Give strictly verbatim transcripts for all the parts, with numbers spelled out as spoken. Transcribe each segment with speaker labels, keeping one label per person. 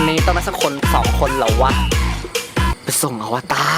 Speaker 1: นี้ต้องมาสักคนสองคนเหรอวะไปส่งอวตาร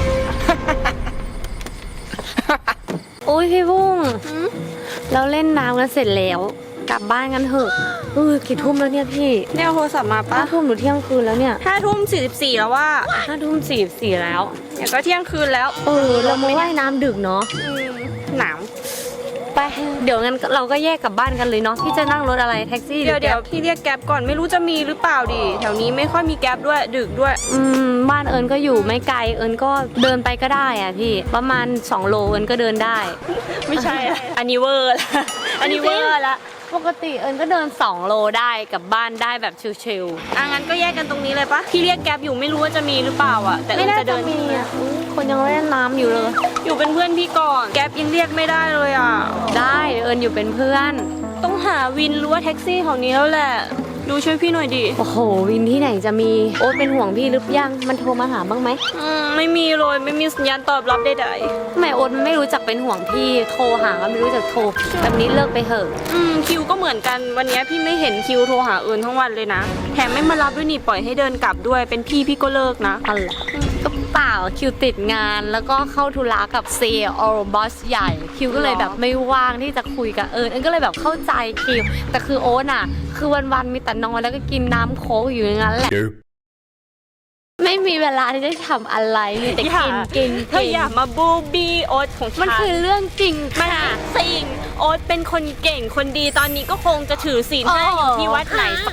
Speaker 2: โอ้ยพี่บุ้งเราเล่นน้ำกันเสร็จแล้วกลับบ้านกันเถอะเออกี่ทุ่มแล้วเนี่ยพี่
Speaker 3: เนี่ยโทรศัพท์มาปะ
Speaker 2: ห้าทุ่มหรือเที่ยงคืนแล้วเนี่ย
Speaker 3: ห้าทุ่มสี่สิบสี่แล้วว่า
Speaker 2: ห้าทุ่มสี่สี่แล้ว
Speaker 3: เดี๋ยวก็เที่ยงคืนแล้ว
Speaker 2: เออเรามาว่ายน้ำดึกเนาะ
Speaker 3: อืมหนาว
Speaker 2: ไปเดี๋ยวงั้นเราก็แยกกลับบ้านกันเลยเนาะพี่จะนั่งรถอะไรแท็กซี่หรื
Speaker 3: เดี๋ยว
Speaker 2: อ
Speaker 3: เดี๋ยว
Speaker 2: แก๊ป
Speaker 3: พี่เรียกแก๊ปก่อนไม่รู้จะมีหรือเปล่าดิแถวนี้ไม่ค่อยมีแก๊ปด้วยดึกด้วย
Speaker 2: อืมบ้านเอิญก็อยู่ไม่ไกลเอิญก็เดินไปก็ได้อะพี่ประมาณสองโลเอิญก็เดินได้
Speaker 3: ไม่ใช่อะอันนี้เวอร์ละอันนี้เวอร์ละ
Speaker 2: ปกติเอิญก็เดินสองโลได้กลับบ้านได้แบบชิล
Speaker 3: อ่ะงั้นก็แยกกันตรงนี้เลยปะพี่เรียกแก๊ปอยู่ไม่รู้ว่าจะมีหรือเปล่าอ่ะแต่
Speaker 2: ๆ
Speaker 3: เอิ
Speaker 2: ไม่
Speaker 3: ญ
Speaker 2: น่า
Speaker 3: จะ
Speaker 2: จะ
Speaker 3: เดิน
Speaker 2: มีอ่ะอุ๊ยคนยังเล่นน้ำอยู่เลย
Speaker 3: อยู่เป็นเพื่อนพี่ก่อนแก๊ปยังเรียกไม่ได้เลยอ่ะ
Speaker 2: ได้เอิญอยู่เป็นเพื่อน
Speaker 3: ต้องหาวินหรือว่าแท็กซี่แถวนี้แล้วแหละดูช่วยพี่หน่อยดิ
Speaker 2: โอ้โหวินที่ไหนจะมีโอ๊ตเป็นห่วงพี่หรือยังมันโทรมาหาบ้างไหม
Speaker 3: อืมไม่มีเลยไม่มีสัญญาณตอบรับใด
Speaker 2: ทำไมโอ๊ตมันไม่รู้จักเป็นห่วงพี่โทรหาก็ไม่รู้จักโทรแบบนี้เลิกไปเถอะ
Speaker 3: ๆอืมคิวก็เหมือนกันวันนี้พี่ไม่เห็นคิวโทรหาเอิญทั้งวันเลยนะแถมไม่มารับด้วยนี่ปล่อยให้เดินกลับด้วยเป็นพี่พี่ก็เลิกนะ
Speaker 2: อะไรก็เปล่าคิวติดงานแล้วก็เข้าธุระกับเซลล์บอสใหญ่คิวก็เลยแบบไม่ว่างที่จะคุยกับเอิญเอิญก็เลยแบบเข้าใจคิวแต่คือโอ๊ตอ่ะคือวันๆมีแต่นอนแล้วก็กินน้ำโค้กอยู่อย่างนั้นแหละไม่มีเวลาที่จะทำอะไรมีแต่กินกิน
Speaker 3: เธออย่ามาบูบี้โอ๊ตของฉัน
Speaker 2: มันคือเรื่องจริง
Speaker 3: มัน
Speaker 2: ค่ะ
Speaker 3: สิ่งโอ๊ตเป็นคนเก่งคนดีตอนนี้ก็คงจะถือศีลห้าอยู่ที่วัดไหนสัก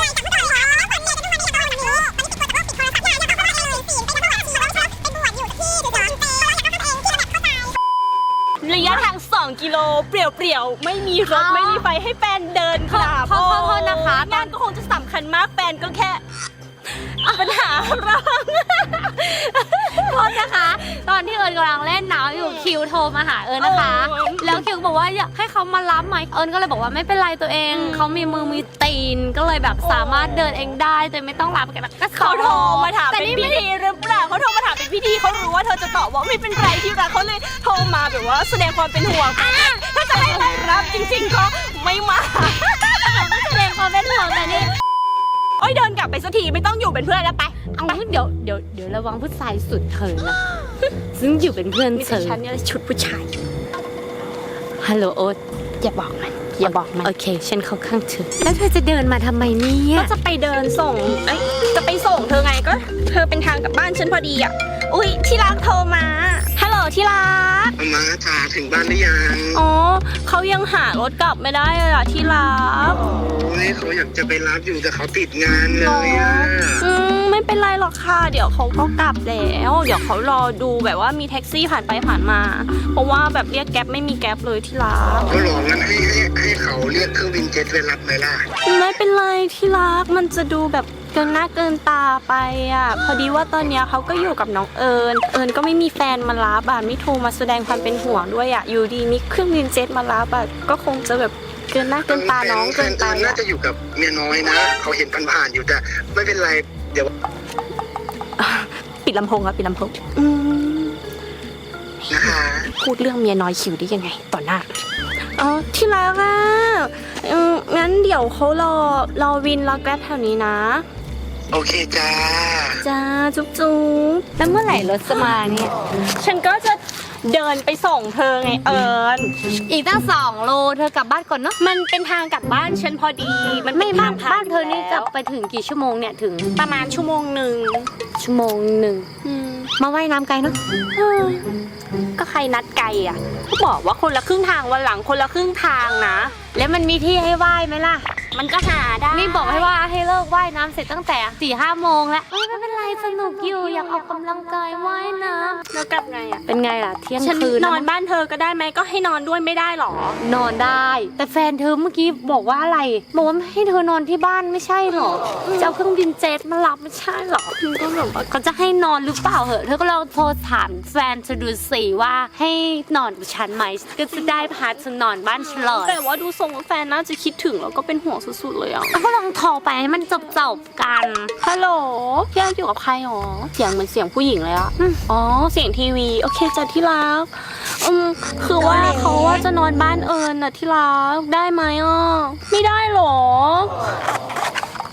Speaker 3: ระยะทางสองกิโลเปลี่ยวๆไม่มีรถไม่มีไฟให้แฟนเดินกลับ
Speaker 2: ขอขอโทษนะคะต
Speaker 3: งา
Speaker 2: อน
Speaker 3: นก็คงจะสำคัญมากแฟนก็แค่ปัญหาเรา
Speaker 2: โทษนะคะ ตอนที่เอิญกำลังเล่นน้ำอยู่คิวโทรมาหาเอิญนะคะ แล้วคิวบอกว่าอยากให้เขามารับไหมเอิญก็เลยบอกว่าไม่เป็นไรตัวเองเขามีมือมีตีนก็เลยแบบสามารถเดินเองได้โดยไม่ต้องรับกันก็
Speaker 3: เขาโทรมาถาม
Speaker 2: แต่
Speaker 3: เป็น
Speaker 2: นี่
Speaker 3: พิ
Speaker 2: ไม่
Speaker 3: ธีหรือเปล่าเขาโทรมาถามเป็นพิธีเขารู้ว่าเธอจะตอบว่าไม่เป็นไรที่รักเขาเลยโทรมาแบบว่าแสดงความเป็นห่วงถ้าจะให้รายรับจริงๆก็ไม่มา
Speaker 2: แสดงความเป็นห่วงแต่นี่
Speaker 3: โอ้ยเดินกลับไปสักทีไม่ต้องอยู่เป็นเพื่อนแล้วไป
Speaker 2: เอาเดี๋ยวเดี๋ยวเดี๋ยวระวังผู้ชายสุดเถินนะซึ่งอยู่เป็นเพื่อน
Speaker 3: มี
Speaker 2: เธ
Speaker 3: แต่
Speaker 2: อ
Speaker 3: ฉันเนี่ยชุดผู้ชาย
Speaker 2: ฮัลโหลโอ๊ต
Speaker 3: อย่าบอกมันอย่าบอกมัน
Speaker 2: โอเคฉันเข้าข้างเธอแล้วเธอจะเดินมาทำไมเนี่ย
Speaker 3: ก็จะไปเดินส่งเอ้ยจะไปส่งเธอไงก็ เธอเป็นทางกลับบ้านฉันพอดีอ่ะอุ้ยที่รักโทรมาฮัลโหลที่รัก
Speaker 4: มาจ๋าถึงบ้านหรือยัง
Speaker 3: อ๋อเขายังหารถกลับไม่ได้เลยอ่ะที่รัก
Speaker 4: โอ้ยเขาอยากจะไปรับอยู่แต่เขาติดงานเลยอ่ะ
Speaker 3: อืมไม่เป็นไรหรอกค่ะเดี๋ยวเขาก็กลับแล้วเดี๋ยวเขารอดูแบบว่ามีแท็กซี่ผ่านไปผ่านมา เพราะว่าแบบเรียกแก๊ปไม่มีแก๊ปเลยที่รัก
Speaker 4: ก็หลอกงั้นให้ให้ให้เขาเรียกเครื่องบินเจ็ตไปรับไหมล่ะ
Speaker 3: ไม่เป็นไรที่รักมันจะดูแบบเกินหน้าเกินตาไปอ่ะพอดีว่าตอนเนี้ยเขาก็อยู่กับน้องเอิญเอิญก็ไม่มีแฟนมารับอ่ะไม่โทรมาแสดงความเป็นห่วงด้วยอ่ะอยู่ดีมีเครื่องบินเจ็ตมารับอ่ะก็คงจะแบบเกินหน้าเกินตาน้องเกินไป
Speaker 4: แฟน่า
Speaker 3: อ่ะ
Speaker 4: จะอยู่กับเมียน้อยนะ เขาเห็นผ่านๆอยู่แต่ไม่เป็นไรเดี๋ยว
Speaker 3: ปิดลำโพงครับปิดลำโพงอืม
Speaker 4: นะคะ
Speaker 3: พูดเรื่องเมียน้อยคิวได้ยังไงต่อหน้าอ๋อที่รักอ่ะอืมงั้นเดี๋ยวเขารอรอวินรอแกร็บแถวนี้นะ
Speaker 4: โอเคจ้า
Speaker 3: จ้าจุ๊บจุ๊บ
Speaker 2: แล้วเมื่อไหร่รถจะมาเนี่ย
Speaker 3: ฉันก็จะเดินไปส่งเธอไงเอิญ
Speaker 2: อีกตั้งสองโลเธอกลับบ้านก่อนเนาะ
Speaker 3: มันเป็นทางกลับบ้านฉันพอดี มัน
Speaker 2: ไม่
Speaker 3: เป็น
Speaker 2: บ้า
Speaker 3: ทาน งผ่
Speaker 2: บ้านเธอนี่จะ
Speaker 3: แล้ว
Speaker 2: ไปถึงกี่ชั่วโมงเนี่ยถึง
Speaker 3: ประมาณชั่วโมงหนึ่ง
Speaker 2: ชั่วโมงหนึ่ง
Speaker 3: อืม
Speaker 2: มาว่ายน้ำไกลเนาะ
Speaker 3: เออก็ใครนัดไกลอ่ะก็บอกว่าคนละครึ่งทางวันหลังคนละครึ่งทางนะ
Speaker 2: แล้วมันมีที่ให้ว่ายไหมล่ะ
Speaker 3: มันก็หาได้
Speaker 2: นี่บอกให้ว่าให้เลิกว่ายน้ำเสร็จตั้งแต่สี่ห้าโมงแล้วเอ้ยไม่เป็นไรสนุกอยู่อยากออกกำลังกายว่ายน้
Speaker 3: แล้วกลับไงอ่ะ
Speaker 2: ำเป็นไงล่ะเที่ยง
Speaker 3: ฉัน
Speaker 2: คืน
Speaker 3: นอนบ้านเธอก็ได้ไหมก็ให้นอนด้วยไม่ได้หรอ
Speaker 2: นอนได้ แต่แฟนเธอเมื่อกี้บอกว่าอะไรบอกว่าให้เธอนอนที่บ้านไม่ใช่หรอจะเอาเครื่องบินเจ็ตมารับไม่ใช่หรอก็แบบว่าเขาจะให้นอนหรือเปล่าเหอะเธอก็ลองโทรถามแฟนเธอดูสิว่าให้นอนกับฉันไหมก็จะได้พาเธอนอนบ้านฉันเลย
Speaker 3: แต่ว่าดูทรงแฟนน่าจะคิดถึงแล้วก็เป็นห่วงสุดๆเลยอ่ะ
Speaker 2: ก็ลองโทรไปให้มันจบจบๆกัน
Speaker 3: ฮัลโหลพี่อ้อยอยู่กับใครหรอ เสียงเหมือนเสียงผู้หญิงเลยอะอ๋อ เสียงทีวี โอเคจ้ะที่รัก อืม คือว่าเขาว่าจะนอนบ้านเอิญน่ะที่รัก ได้ไหมอ่ะ ไม่ได้หรอ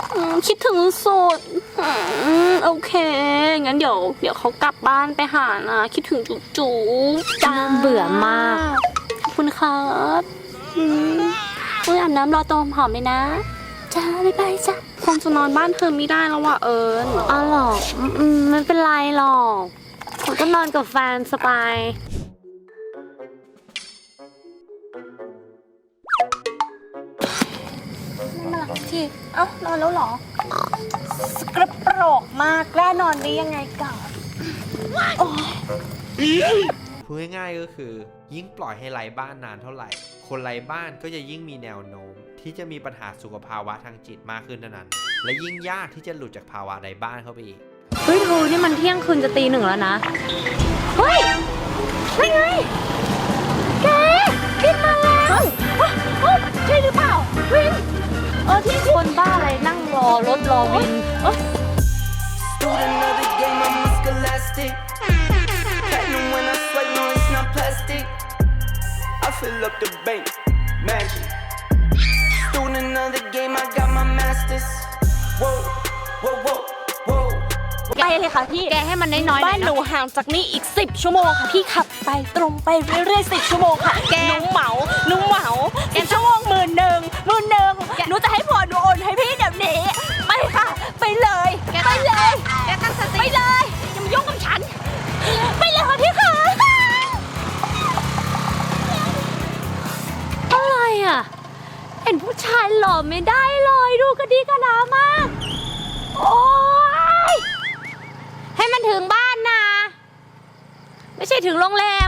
Speaker 3: อืมคิดถึงสุดอืมโอเคงั้นเดี๋ยวเดี๋ยวเขากลับบ้านไปหานะคิดถึงจุ๊จูจ้า
Speaker 2: เบื่อมาก
Speaker 3: ขอบคุณครับอืมอุ้ยอาบน้ำรอตัวหอมเลยนะจ้าบ๊ายบายจ้าคงจะนอนบ้านเธอไม่ได้แล้วว่ะเอิญ
Speaker 2: อ๋อหรออืมอืมไม่เป็นไรหรอกผมก็นอนกับแฟนสบาย
Speaker 3: มาหลังทีเอ้านอนแล้วเหรอ สกระโปรกมากแกล้นอนได้ยังไงก่อน
Speaker 5: พูดง่ายๆก็คือ ยิ่งปล่อยให้ไร้บ้านนานเท่าไหร่ คนไร้บ้านก็จะยิ่งมีแนวโน้ม ที่จะมีปัญหาสุขภาวะทางจิตมากขึ้นเท่านั้น และยิ่งยากที่จะหลุดจากภาวะไร้บ้านเข้าไปอีก
Speaker 2: เฮ้ยทูนี่มันเที่ยงคืนจะตีหนึ่งแล้วนะ เฮ้ยไม่ไง แกวินมาแล้วเฮ้ยใช่หรือเปล่า วิน เออที่คนบ้าอะไรนั่งรอรถรอวินเออ
Speaker 6: Student of the game, I'm scholastic. Platinum when I swipe, no, it's not plastic. I fill up the bank, magic. Student of the game, I got my masters. Whoa, whoa, whoa, whoa.
Speaker 3: ไปเลยค่ะพี่
Speaker 2: แกให้มันน้อยๆหน่
Speaker 3: บ้า
Speaker 2: อน ย
Speaker 3: หนู
Speaker 2: นะ
Speaker 3: ห่างจากนี่อีกสิบชั่วโมงค่ะพี่ขับไปตรงไปเรื่อยๆสิบชั่วโมงค่ะ
Speaker 2: แก
Speaker 3: หนูเหมาหนูเหมาสิบชั่วโมงหมื่นหนึ่งหมื่นหนึ่งหนูจะให้ผัวหนูโอนให้พี่เดี๋ยวนี้ไปค่ะ ไปเลยไปเลย
Speaker 2: แกตั้งสติ
Speaker 3: ไปเลยอย่ามายุ่งกับฉัน ไปเลยค่ะพี่ค่ะ
Speaker 2: อะไรอ่ะ เห็นผู้ชายหล่อไม่ได้เลยดูกระดีกระดามาก โอ๊ย ให้มันถึงบ้านนะ ไม่ใช่ถึงโรงแรม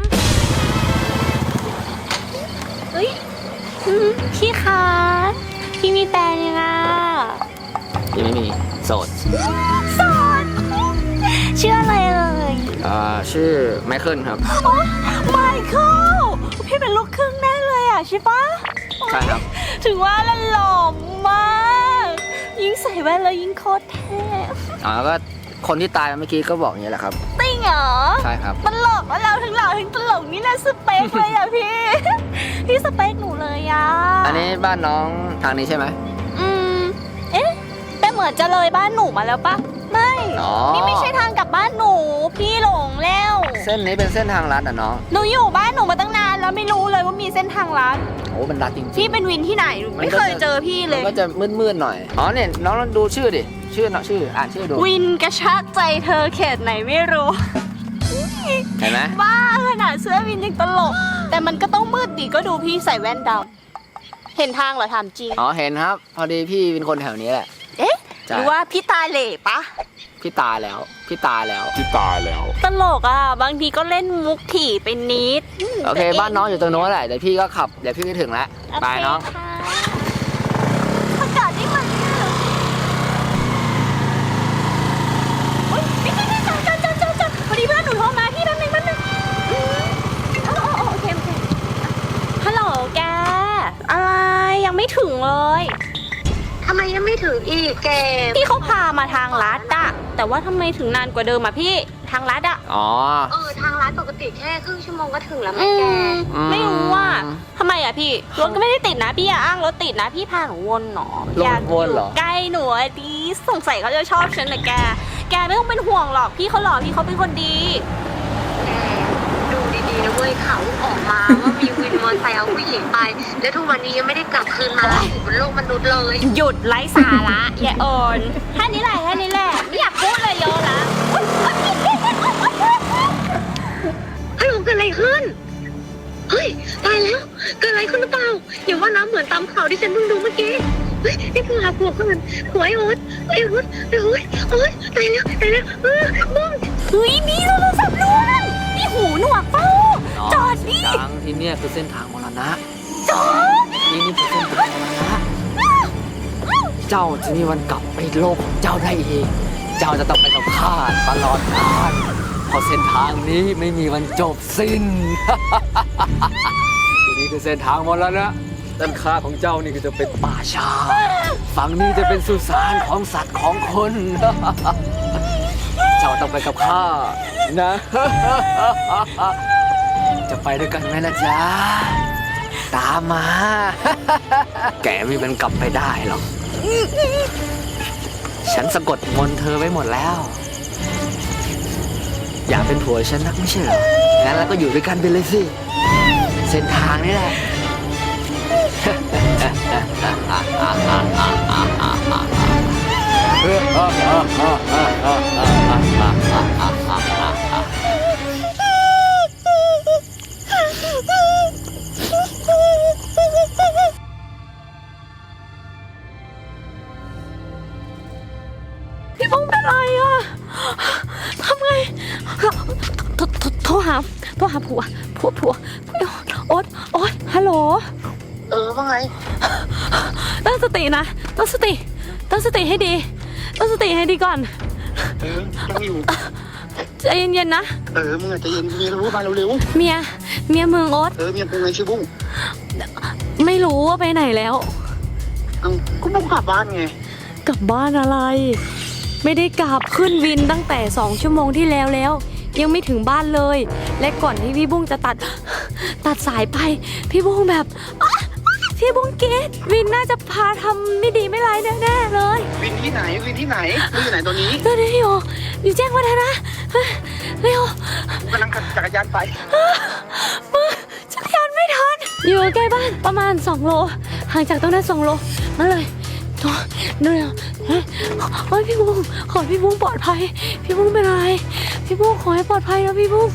Speaker 3: เฮ้ยอืมพี่คะพี่มีแฟนยังไง
Speaker 1: ยังไม่มีโสด
Speaker 3: สอนชื่ออะไรเอ่ย
Speaker 1: อ่าชื่อไมเคิลครับ
Speaker 3: ไมเคิลพี่เป็นลูกครึ่งแน่เลยอ่ะใช่ปะ
Speaker 1: ใช่ครับ
Speaker 3: ถึงว่าแล้วหล่อมากยิ่งใส่แว่นแล้วยิ่งโคตรเท่
Speaker 1: อ๋อก็คนที่ตายเมื่อกี้ก็บอกอย่างนี้แหละครับ
Speaker 3: จริงเหรอ
Speaker 1: ใช่ครับ
Speaker 3: ตลกว่าเราถึงหล่อถึงตลกนี่นะสเปคเลยอ่ะพี่ พี่สเปคหนูเลยอ่ะ
Speaker 1: อันนี้บ้านน้องทางนี้ใช่ไหม
Speaker 3: อืมเอ๊ะแต่เหมือนจะเลยบ้านหนูมาแล้วปะไม่
Speaker 1: อ๋อ
Speaker 3: นี่ไม่ใช่ทางกลับบ้านหนูพี่หลงแล้ว
Speaker 1: เส้นนี้เป็นเส้นทางลัดอ่ะน้อง
Speaker 3: หนูอยู่บ้านหนูมาตั้งนานแล้วไม่รู้เลยว่ามีเส้นทางลัด
Speaker 1: โอ้มันลัดจริงๆ
Speaker 3: พี่เป็นวินที่ไหนหนูไม่เคยเจอพี่เล
Speaker 1: มั
Speaker 3: ย
Speaker 1: นก็จะมืดๆหน่อย อ๋อเนี่ยน้องลองดูชื่อดิ ชื่อเนาะชื่ออ่านชื่อดู
Speaker 3: วินกระชากใจเธอเขตไหนไม่รู้
Speaker 1: เห็นไหม
Speaker 3: บ้าขนาดเสื้อวินยังตลก แต่มันก็ต้องมืดดิก็ดูพี่ใส่แว่นดำเห็นทางเหรอถามจริง
Speaker 1: อ๋อเห็นครับ พอดีพี่เป็นคนแถวนี้แหละ
Speaker 3: เอ๊ะ
Speaker 1: ใช่
Speaker 3: หรือว่าพี่ตาเหล่ปะ
Speaker 1: พี่ตาแล้ว พี่ตาแล้ว
Speaker 3: ตลกอ่ะ บางทีก็เล่นมุกถี่ไปนิด
Speaker 1: โอเค บ้านน้องอยู่ตรงโน้นแหละ เดี๋ยวพี่ก็ขับ เดี๋ยวพี่ก็ถึงแล้ว ไปน้อง
Speaker 3: อากาศนี่มันโอ๊ยนี่นี่นี่จอดจอดจอดจอดจอดพอดีเพื่อนหนูโทรมาพี่แป๊บนึงแป๊บนึงอืมอ๋ออ๋อโอเคโอเคฮัลโหลแก อะไรยังไม่ถึงเลย
Speaker 2: ทำไมยังไม่ถึงอีกแก
Speaker 3: พี่เขาพามาทางลัดอะแต่ว่าทำไมถึงนานกว่าเดิมอะพี่ทางลัดอะ
Speaker 1: อ๋อ
Speaker 2: เออ ทางร้านปกติแค่ครึ่งชั่วโมงก็ถึงแล้ว
Speaker 3: อื
Speaker 2: แม่แก
Speaker 3: มไม่รู้ว่าทำไมอะพี่รถก็ไม่ได้ติดนะพี่อย่าอ้างรถติดนะพี่พาหนูวนหนอ
Speaker 1: รถ
Speaker 3: อยาก
Speaker 1: วนเหรอ
Speaker 3: ใกล้หนูอะดีสงสัยเขาจะชอบฉันนะแก แกไม่ต้องเป็นห่วงหรอกพี่เขาหล่อพี่เขาเป็นคนดี
Speaker 2: ดูดีๆนะเว้ยข่าวออกมาว่ามีวินมอเตอร์ไซค์เอาผู้หญิงไป แล้วทุกวันนี้ยังไม่ได้กลับคืนมาอยู่บนโลกมนุษย์เลย
Speaker 3: หยุดไร้สาระอย่าเอิญแค่นี้แหละแค่นี้แหละไม่อยากพูดเลยเยอะละ
Speaker 2: เฮ้ยมันเกิดอะไรขึ้น เฮ้ย ตายแล้ว เกิดอะไรขึ้นหรือเปล่าอย่าว่าน้ำเหมือนตามข่าวที่ฉันเพิ่งดูเมื่อกี้ เฮ้ยนี่คือหาผัวก่อนผัวไอ้โอ๊ตไอ้โอ๊ตไอ้โอ๊ตโอ๊ยตายแล้วตายแล้วเออบ้อง
Speaker 3: เฮ้ยนี่โทรศัพท์ล้วนนี่หูหนวกเป้าจอดดิ
Speaker 1: ทางที่เนี่ยคือเส้นทางมรณะ
Speaker 3: จอด
Speaker 1: นี่นี่คือเส้นทางมรณะ เจ้าจะมีวันกลับไปโลกของเจ้าได้อีก เจ้าจะต้องไปกับข้าตลอดกาลเพราะเส้นทางนี้ไม่มีวันจบสิ้น ทีนี้คือเส้นทางมรณะด้านข้างของเจ้านี่ก็จะเป็นป่าชา ฝั่งนี้จะเป็นสุสานของสัตว์ของคน เจ้าต้องไปกับข้านะ จะไปด้วยกันไหมล่ะจ๊ะ ตามมา แกไม่มันกลับไปได้หรอกฉันสะกดมนต์เธอไว้หมดแล้ว อยากเป็นผัวฉันนักไม่ใช่เหรอ งั้นเราก็อยู่ด้วยกันไปเลยสิ เส้นทางนี่แหละ
Speaker 3: พี่บุ้งเป็นไรอะทำไงโทรโทรโทรหาโทรหาผัวผัวผัวโอ๊ตโอ๊ตฮัลโหล
Speaker 4: เออว่าไง
Speaker 3: ตั้งสตินะตั้งสติตั้งสติให้ดีตั้งสติให้ดีก่อน
Speaker 4: เออยังอยู่
Speaker 3: ใจเย็นๆนะ
Speaker 4: เออมึงอาจจะเย็นเมียรู้มาเร็ว
Speaker 3: เมียเมียมึงโอ๊ต
Speaker 4: ๆเออเมียกูไงชื่อบุ้ง
Speaker 3: ไม่รู้ว่าไปไหนแล้ว
Speaker 4: เอ้าก็บุ้งกลับบ้านไง
Speaker 3: กลับบ้านอะไร ไม่ได้กลับขึ้นวินตั้งแต่สองชั่วโมงที่แล้วแล้ว ยังไม่ถึงบ้านเลย และก่อนที่พี่บุ้งจะตัด ตัดสายไป พี่บุ้งแบบอ๊ะพี่บุ้งเกตวินน่าจะพาทำไม่ดีไม่ร้ายแน่ๆเลย
Speaker 4: วินที่ไหนวินที่ไหนมึงอยู่ไหนตอนนี้
Speaker 3: ตอนนี้อยู่อยู่แจ้งวัฒนะเฮ้ยเร็ว
Speaker 4: กูกำลังขับจักรยานไป
Speaker 3: มือจักรยานไม่ทันอยู่ใกล้บ้านประมาณสองโลห่างจากตรงนั้นสองโลนั่นเลยโถ่เร็วเฮ้ยโอ้ยพี่บุ้งขอให้พี่บุ้งปลอดภัยพี่บุ้งเป็นอะไรพี่บุ้งขอให้ปลอดภัยนะพี่บุ้ง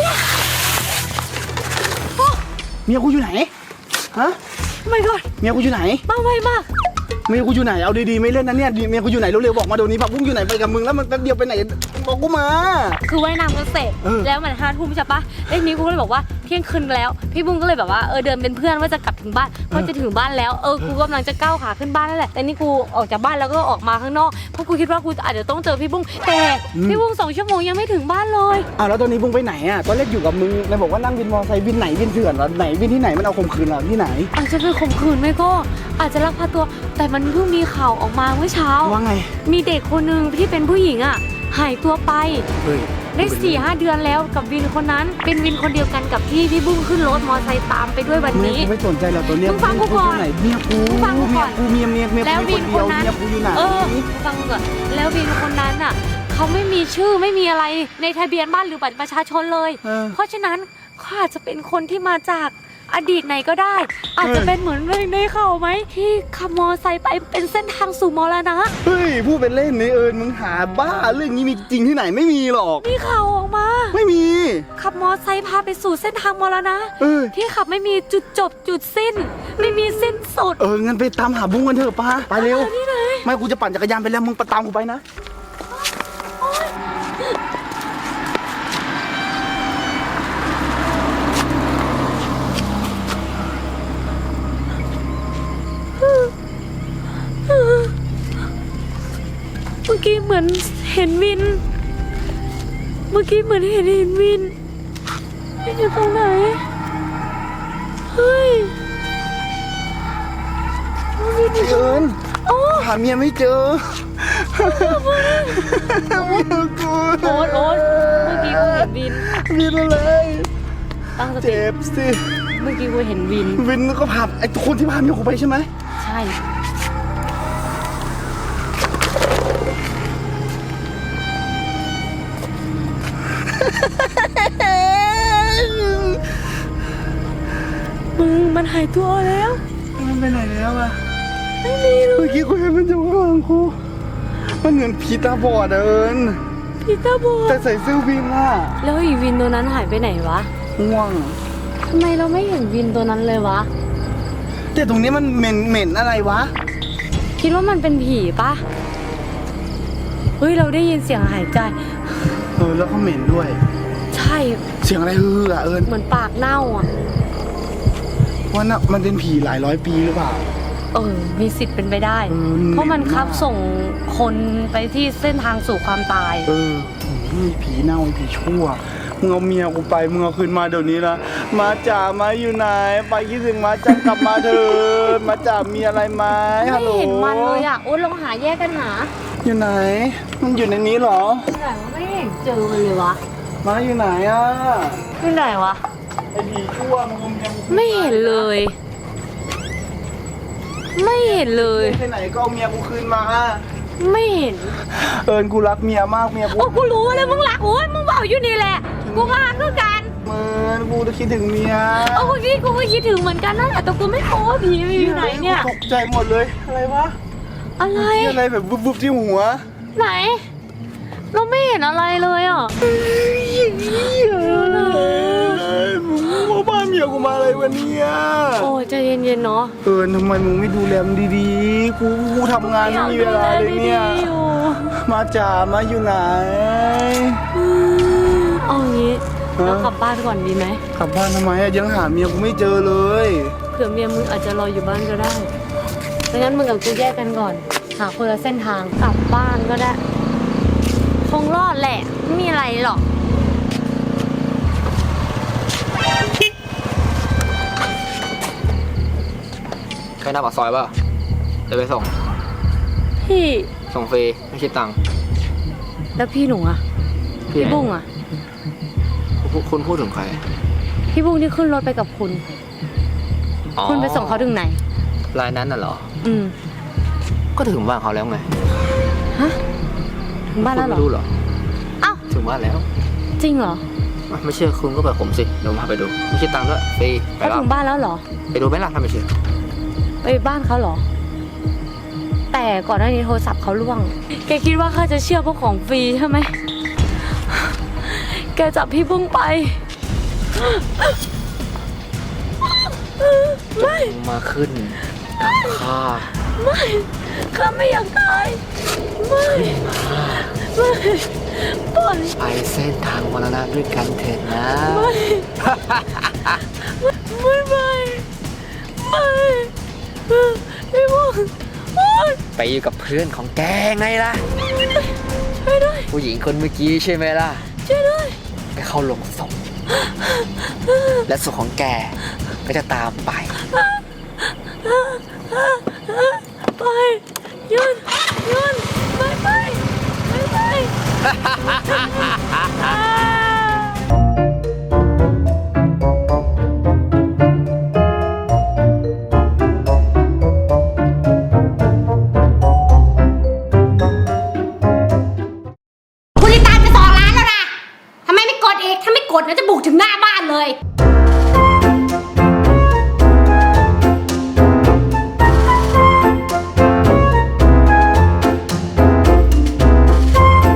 Speaker 7: เมียกูอยู่ไหน ฮะ
Speaker 3: ไม่ก่อน
Speaker 7: เมียกูอยู่ไหน
Speaker 3: บ้าไวมาก
Speaker 7: เมียกูอยู่ไหน เอาดีๆไม่เล่นนะเนี่ย เมียกูอยู่ไหนเร็วๆบอกมาเดี๋ยวนี้ผักบุ้งอยู่ไหนไปกับมึงแล้วมันแป๊บเดียวไปไหนบอกกูมา
Speaker 3: คือว่ายน้ำกันเสร็จ
Speaker 7: เออ
Speaker 3: แล้วมันห้าทุ่มใช่ปะแล้วทีนี้กูก็เลยบอกว่าเที่ยงคืนแล้ว พี่บุ้งก็เลยแบบว่าเออเดินเป็นเพื่อนว่าจะกลับถึงบ้านเพราะจะถึงบ้านแล้วเออกูกำลังจะก้าวขาขึ้นบ้านนั่นแหละแต่นี่กูออกจากบ้านแล้วก็ออกมาข้างนอกเพราะกูคิดว่ากูอาจจะต้องเจอพี่บุ้งแต่พี่บุ้งสองชั่วโมงยังไม่ถึงบ้านเลย
Speaker 7: อ้าวแล้วตอนนี้บุ้งไปไหนอ่ะตอนแรกอยู่กับมึงเลยบอกว่านั่งวินมอเตอร์ไซค์วินไหนวินเถื่อนเหรอไหนวินที่ไหนมันเอาข่มขืนเหรอที่ไหน
Speaker 3: อาจจะเป็นข่มขืนไม่ก็อาจจะลักพาตัวแต่มันเพิ่งมีข่าวออกมาเมื่อเช้า
Speaker 7: ว่าไง
Speaker 3: มีเด็กคนหนึ่งที่เป็นผู้หญิงอ่ะหายตัวไป
Speaker 7: เฮ้ย
Speaker 3: ได้สี่ห้าเดือนแล้วกับวินคนนั้น เป็นวินคนเดียวกันกับที่พี่บุ้งขึ้นรถมอเตอร์ไซค์ตามไปด้วยวัน
Speaker 7: เมีย
Speaker 3: นี้
Speaker 7: กูไม่สนใจหรอกตัวเนี้ย
Speaker 3: มึงฟังกูก่อน
Speaker 7: ไหนเมียกู
Speaker 3: มึงฟังกูก่อน
Speaker 7: เมียกูเมียเมียเมีย
Speaker 3: แล้ว
Speaker 7: กู
Speaker 3: วิน
Speaker 7: เดี
Speaker 3: ค
Speaker 7: ย
Speaker 3: น
Speaker 7: ว
Speaker 3: นั้น
Speaker 7: เมียกูอยู่ไหน
Speaker 3: เออฟังก่อนแล้ววินคนนั้นอ่ะเขาไม่มีชื่อไม่มีอะไรในทะเบียนบ้านหรือบัตรประชาชนเลย
Speaker 7: เออ
Speaker 3: เพราะฉะนั้นเขาอาจจะเป็นคนที่มาจากอดีตไหนก็ได้ อาจจะเป็นเหมือนในข่าวไหมที่ขับมอเตอร์ไซค์ไปเป็นเส้นทางสู่มรณะ
Speaker 7: เฮ้ยพูดเป็นเล่นนี่เอิญมึงหาบ้าเรื่องนี้มีจริงที่ไหนไม่มีหรอก
Speaker 3: มีข่าวออกมา
Speaker 7: ไม่มี
Speaker 3: ขับมอเตอร์ไซค์พาไปสู่เส้นทางมรณะ
Speaker 7: เออ
Speaker 3: ที่ขับไม่มีจุดจบจุดสิ้น ไม่มีสิ้นสุด
Speaker 7: เอองั้นไปตามหาบุ้งกันเถอะป้าไปเร็ว
Speaker 3: ที่ไหน
Speaker 7: ไม่กูจะปั่นจักรยานไปแล้วมึงไปตามกูไปนะ
Speaker 3: เมื่อกี้เหมือนเห็นวิน เมื่อกี้เหมือนเห็นเห็นวินวินอยู่ตรงไหน เฮ้ยวินอยู่ตรง
Speaker 7: เอิญ
Speaker 3: โอ้
Speaker 7: หาเมียไม่เจอเมียกู
Speaker 3: โอ๊ตโอ๊ตเมื่อกี้กูเห็นวิน
Speaker 7: วินอะไร
Speaker 3: ตั้งสติ
Speaker 7: เจ็บสิ
Speaker 3: เมื่อกี้กูเห็นวิน
Speaker 7: วินก็พาไอ้คนที่พาเมียกูไปใช่ไหม
Speaker 3: ใช่ มึงมันหายตัวแล้ว
Speaker 7: มันไปไหนแล้วอะไม่มีเมื่อกี้กูเห็นมันอยู่ข้างหลังกูมันเหมือนผีตาบอดอะเอิญ
Speaker 3: พี่ตาบอ
Speaker 7: แต่
Speaker 3: ด
Speaker 7: ใส่เสื้อวินอะ
Speaker 3: แล้วอีวินตัวนั้นหายไปไหนวะ
Speaker 7: ง่วง
Speaker 3: ทำไมเราไม่เห็นวินตัวนั้นเลยวะ
Speaker 7: แต่ตรงนี้มันเหม็นเหม็นอะไรวะ
Speaker 3: คิดว่ามันเป็นผีปะเฮ้ยเราได้ยินเสียงหายใจ
Speaker 7: เออแล้วก็เหม็นด้วย
Speaker 3: ใช่
Speaker 7: เสียงอะไรฮืออะเอิญ
Speaker 3: เหมือนปากเน่าอ่ะ
Speaker 7: ว่าน่ะมันเป็นผีหลายร้อยปีหรือเปล่า
Speaker 3: เออ มีสิทธิ์เป็นไปได้
Speaker 7: เออ
Speaker 3: เพราะมัน
Speaker 7: เหม็นมาก
Speaker 3: คับส่งคนไปที่เส้นทางสู่ความตาย
Speaker 7: เออมีผีเน่าผีชั่วมึงเอาเมียกูไปมึงเอาคืนมาเดี๋ยวนี้ละมาจ๋ามาอยู่ไหนไปคิดถึงมาจ๋ากลับมาเถอะมาจ๋ามีอะไรไหมฮั
Speaker 3: ไม่
Speaker 7: ลโหล
Speaker 3: เห็นมันเลยอ่ะ โอ๊ตลองหาแยกกันหา
Speaker 7: อยู่ไหน มันอยู่ในนี้เหรอ
Speaker 3: ที่ไหนวะไม่เห็นเจอมันเลยวะ
Speaker 7: มาอยู่ไหนอ่ะ
Speaker 3: ที่ไหนวะ
Speaker 7: ไอ้ผีชั่วมึงเอาเมียกู
Speaker 3: ไม่เห็นเลย ไม่เห็นเลย
Speaker 7: ไปไหนก็เอาเมียกูคืนมา
Speaker 2: ไม่เห็น
Speaker 7: เอิญกูรักเมียมากเมียกู
Speaker 2: โอ้กูรู้เลยมึงรักโอ้ยมึงบอกอยู่นี่แหละ กูก็รักคือกัน
Speaker 7: เมินกูจะคิดถึงเมีย
Speaker 2: โอ้กูคิดกูก็คิดถึงเหมือนกันนั่นแหละแต่กูไม่รู้ว่าผีมันอยู่ไหนเนี่ย
Speaker 7: ตกใจหมดเลยอะไรวะ
Speaker 2: อะไร
Speaker 7: ที่อะไรแบบวุบๆที่หัว
Speaker 2: ไหน เราไม่เห็นอะไรเลยอ่ะ
Speaker 7: มึงมาบ้านเมียกูมาอะไรวะเนี่ย
Speaker 2: โอ้ยใจเย็นๆเนาะ
Speaker 7: เอิญทำไมมึงไม่ดูแลมันดีๆ กูกูทำงานไม่มีเวลาเลยเนี่ย
Speaker 2: ดีๆอยู่
Speaker 7: มาจ่ามาอยู่ไหน
Speaker 2: เอางี้
Speaker 7: ฮะ
Speaker 2: เรากลับบ้านก่อนดีไหม
Speaker 7: กลับบ้านทำไมอะยังหาเมียกูไม่เจอเลย
Speaker 2: เผื่อเมียมึงอาจจะรออยู่บ้านก็ได้ดังนั้นมึงกับกูแยกกันก่อน หาคนละเส้นทางกลับบ้านก็ได้ คงรอดแหละ ไม่มีอะไรหรอก
Speaker 1: ไปหน้าปากซอยป่ะจะไปส่ง
Speaker 2: พี่
Speaker 1: ส่งฟรีไม่คิดตังค์
Speaker 2: แล้วพี่หนูอะพี่บุ้งอะ
Speaker 1: คุณคุณพูดถึงใคร
Speaker 2: พี่บุ้งที่ขึ้นรถไปกับคุณ
Speaker 1: อ๋อ
Speaker 2: คุณไปส่งเขาถึงไหน
Speaker 1: รายนั้นน่ะเหรอ
Speaker 2: อืม
Speaker 1: ก็ถึงบ้านเขาแล้วไง
Speaker 2: ฮะ ถึงบ้านแล้วเหรอ
Speaker 1: คุณไม่รู้เหรอ
Speaker 2: เอ้า
Speaker 1: ถึงบ้านแล้ว
Speaker 2: จริงเหรอ
Speaker 1: อ่ะไม่เชื่อคุณก็ไปผมสิเดี๋ยวผมพาไปดูไม่คิดตังค์ด้วยฟรีไป
Speaker 2: เขา
Speaker 1: แล้ว
Speaker 2: ถึงบ้านแล้วเหรอ
Speaker 1: ไปดูไหมล่ะถ้าไม่เชื่อ
Speaker 2: ไปบ้านเขาเหรอ แต่ก่อนหน้านี้โทรศัพท์เขาล่วง แกคิดว่าข้าจะเชื่อพวกของฟรีใช่ไหม แกจับพี่บุ้งไป ไม่
Speaker 1: มาขึ้นกับข้า
Speaker 2: ไม่ข้าไม่อยากตาย ไม่ ไม่ปล่อย
Speaker 1: ไปเส้นทางมรณะด้วยกันเถิดนะ
Speaker 2: ไม่ไม่ไม่ไม่พี่บุ้งโอ๊ย
Speaker 1: ไปอยู่กับเพื่อนของแกไงล่ะ
Speaker 2: ช่วยด้วย
Speaker 1: ผู้หญิงคนเมื่อกี้ใช่ไหมล่ะ
Speaker 2: ช่วยด้วย
Speaker 1: ไปเข้าลงศพและศพของแกก็จะตามไป
Speaker 2: ไปยืนยืนไปไปไปไป
Speaker 8: คุณลิตาจะสองล้านแล้วนะ ทำไมไม่กดอีก ถ้าไม่กดนะจะบุกถึงหน้าบ้านเลย